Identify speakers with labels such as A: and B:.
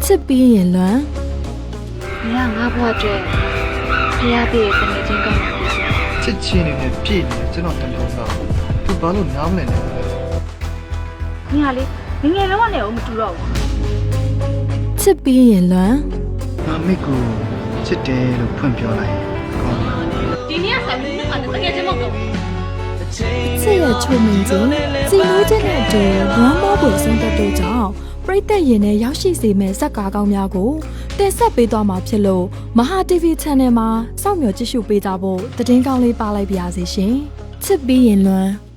A: စ်ပြီးရင်လွမ်း
B: 你让我不觉，你要别跟你讲干嘛？
C: ချစ်ချင်းနေနဲ့ပြည့်နေကျွန်တော်တန်ထုံးတာသူဘာလို့နားမလည်နေလဲ
B: 你看哩，你眼龙呢？我们住了。
A: ချစ်ပြီးရင်လွမ်း
C: ငါမိကိုချစ်တယ်လို့ဖွင့်ပြောလိုက်ကောင်းတယ်
B: 今天还没那这个这么高。
A: ချစ်ရဲ့ချုံမင်းချင်းစီလို့ခြင်းနဲ့အတူလွမ်းမောပွေဆုံးသက်တို့ကြောင့်ပရိသတ်ရင်နဲ့ရောက်ရှိစေမဲ့ဇက်ကားကောင်းများကိုတင်ဆက်ပေးသွားမှာဖြစ်လို့မဟာ TV Channel မှာစောင့်မျှော်ကြည့်ရှုပေးကြဖို့သတင်းကောင်းလေးပါလိုက်ပါရစေရှင်ချစ်ပြီးရင်လွမ်း